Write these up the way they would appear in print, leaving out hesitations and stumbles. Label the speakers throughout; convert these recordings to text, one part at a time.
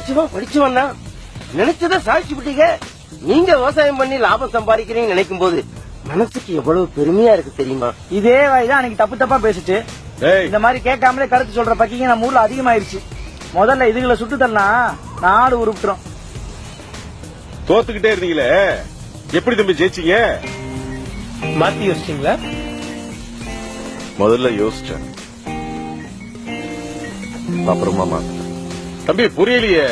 Speaker 1: படிச்சவன் தான் நினைச்சத சாதிச்சு விட்டீங்க. நீங்க விவசாயம் பண்ணி லாபம் சம்பாதிக்கிறீங்கன்னு நினைக்கும் போது மனசுக்கு எவ்வளவு பெருமையா இருக்கு தெரியுமா?
Speaker 2: இதே வாய்தான் அன்னைக்கு தப்பு தப்பா பேசிட்டு இந்த மாதிரி கேட்காமலே கருத்து சொல்ற பக்கிங்க நம்ம ஊர்ல அதிகமாயிருச்சு. முதல்ல இதுகளை சுட்டு தரலாம், நாடு உருப்பிட்டுரும்.
Speaker 3: தோத்துக்கிட்டே இருந்தீங்களே, எப்படி தம்பி ஜெயிச்சீங்க?
Speaker 2: மாத்தி யோசிச்சீங்களா?
Speaker 4: முதல்ல யோசிச்சேன், அப்புறமா மாத்த.
Speaker 3: தம்பி புரியலையே.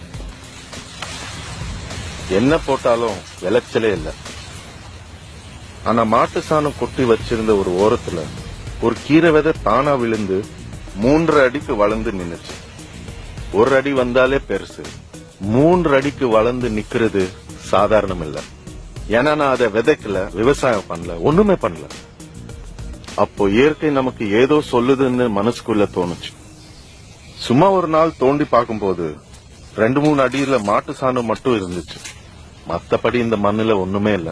Speaker 4: என்ன போட்டாலும் விளைச்சலே இல்ல. ஆனா மாட்டு சாணம் கொட்டி வச்சிருந்த ஒரு ஓரத்துல ஒரு கீரை விதை தானா விழுந்து 3 அடிக்கு வளர்ந்து நின்னுச்சு. 1 அடி வந்தாலே பெருசு, 3 அடிக்கு வளர்ந்து நிக்கிறது சாதாரணம் இல்ல. ஏன்னா நான் அதை விதைக்கல, விவசாயம் பண்ணல, ஒண்ணுமே பண்ணல. அப்போ இயற்கை நமக்கு ஏதோ சொல்லுதுன்னு மனசுக்குள்ள தோணுச்சு. சும்மா ஒரு நாள் தோண்டி பார்க்கும்போது 2-3 அடியில மாட்டு சாணம் மட்டும் இருந்துச்சு. மத்தபடி இந்த மண்ணுல ஒண்ணுமே இல்ல.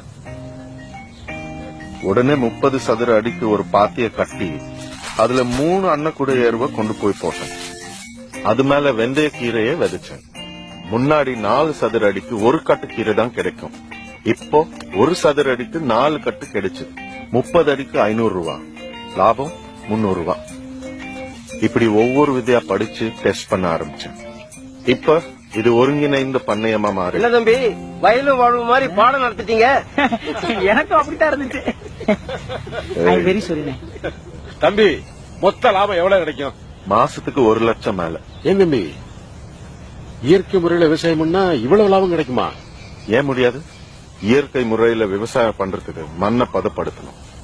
Speaker 4: உடனே 30 சதுர அடிக்கு ஒரு பாத்திய கட்டி அதுல 3 அன்னக்கூட ஏர்வை கொண்டு போய் போட்டேன். அது மேல வெந்தய கீரையை விதைச்சேன். முன்னாடி 4 சதுர அடிக்கு 1 கட்டு கீரை தான் கிடைக்கும். இப்போ 1 சதுர அடிக்கு 4 கட்டு கிடைச்சது. 30 அடிக்கு 500 ரூபாய் லாபம், 300 ரூபாய். இப்படி ஒவ்வொரு விதையா படிச்சு டெஸ்ட் பண்ண ஆரம்பிச்சேன். இப்ப இது ஒருங்கிணைந்த பண்ணையமா மாறி.
Speaker 1: என்ன தம்பி வயலும் வாழ்வு மாதிரி பாடம் நடத்திட்டீங்க?
Speaker 2: எனக்கும் அப்படித்தான் இருந்துச்சு. வெரி சொல்லுங்க
Speaker 3: தம்பி, மொத்த லாபம் எவ்வளவு கிடைக்கும்?
Speaker 4: மாசத்துக்கு 1 லட்சம் மேல.
Speaker 5: ஏன் தம்பி, இயற்கை முறையில விவசாயம் பண்ணா இவ்வளவு லாபம் கிடைக்குமா?
Speaker 4: ஏன் முடியாது? இயற்கை முறையில விவசாயம் பண்றதுக்கு மண்ணை பதப்படுத்தணும்,